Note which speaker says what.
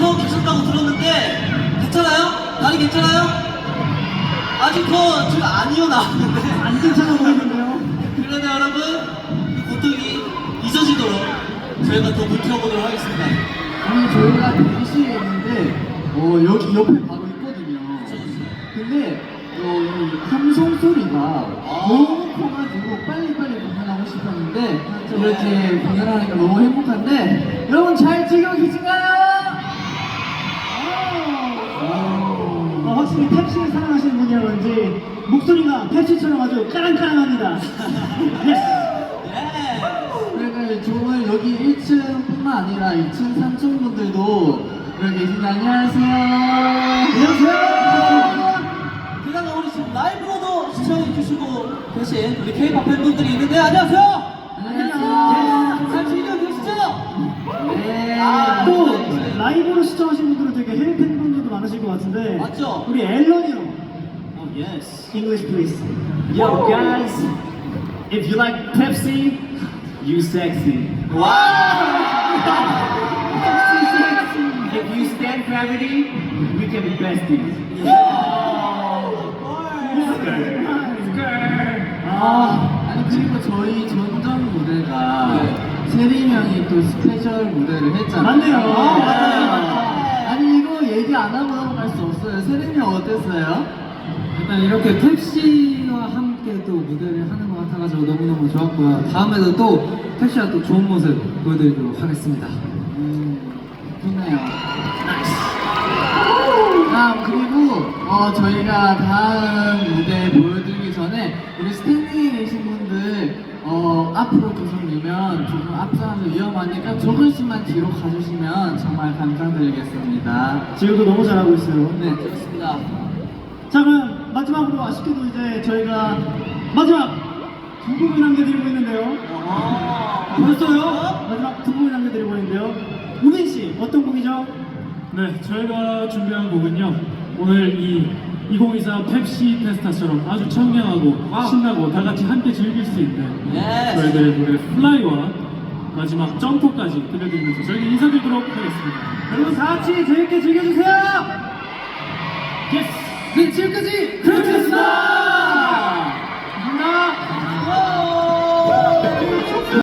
Speaker 1: 더 계셨다고 들었는데 괜찮아요? 다리 괜찮아요? 아직 더 지금 아니요 나왔는데
Speaker 2: 안 괜찮아 보이는데요?
Speaker 1: 그러면 여러분 그 고통이 잊어지도록 저희가 더 버텨보도록 하겠습니다.
Speaker 3: 아니 저희가 대기실에 있는데 여기 옆에 바로 있거든요. 근데 이 함성 소리가 너무 커가지고 빨리빨리 공연하고 싶었는데 이렇게 공연하니까 너무 행복한데 여러분 잘 즐기고 계신가요?
Speaker 2: 확실히 펩시를 사랑하시는 분이라 그런지 목소리가 펩시처럼 아주 까랑까랑합니다.
Speaker 3: 그러니까 정말 여기 1층뿐만 아니라 2층, 3층 분들도 여기 계신데 안녕하세요.
Speaker 2: 안녕하세요.
Speaker 1: 그다음에 우리 지금 라이브로도 시청해주시고 계신 우리 K-pop 팬분들이 있는데 안녕하세요.
Speaker 3: 안녕하세요.
Speaker 1: 잘 즐기고 계시죠?
Speaker 3: 네.
Speaker 2: 또 라이브로 시청하신 분들은 되게 해외 팬분들도 많으실 것 같은데
Speaker 1: 맞죠?
Speaker 2: 우리 앨런이 형
Speaker 1: Oh yes.
Speaker 2: English please. Yo guys, if you like Pepsi, you sexy. If you stand gravity, we can be besties.
Speaker 3: 아니 그리고 저희 전전 무대가 세림 형이 또 스페셜 무대를 했잖아요.
Speaker 2: 맞네요.
Speaker 3: 맞아요. 아니 이거 얘기 안 하고 넘어갈 수 없어요. 세림 형 어땠어요?
Speaker 4: 일단 이렇게 펩시와 함께 또 무대를 하는 것 같아가지고 너무너무 좋았고요. 다음에도 또 펩시와 또 좋은 모습 보여드리도록 하겠습니다.
Speaker 3: 좋네요. 그리고 저희가 다음 무대 보여드리기 전에 우리 스탠딩에 계신 분들 앞으로 계속 밀면 조금 앞사람들 위험하니까 조금씩만 뒤로 가주시면 정말 감사드리겠습니다.
Speaker 2: 지금도 너무 잘하고 있어요.
Speaker 3: 네, 좋습니다.
Speaker 2: 자 그럼 마지막으로 아쉽게도 이제 저희가 마지막 두 곡을 남겨드리고 있는데요. 벌써요? 마지막 두 곡을 남겨드리고 있는데요. 우빈 씨 어떤 곡이죠?
Speaker 5: 네, 저희가 준비한 곡은요. 오늘 이 2024 펩시 페스타처럼 아주 청량하고 신나고 다 같이 함께 즐길 수 있는
Speaker 1: Yes.
Speaker 5: 저희들의 노래 플라이와 마지막 점프까지 들려드리면서 저희는 인사드리도록 하겠습니다.
Speaker 2: 여러분 다 같이 재밌게 즐겨주세요.
Speaker 5: 예스!
Speaker 3: 네, 지금까지 그렇겠습니다. 감사합니다.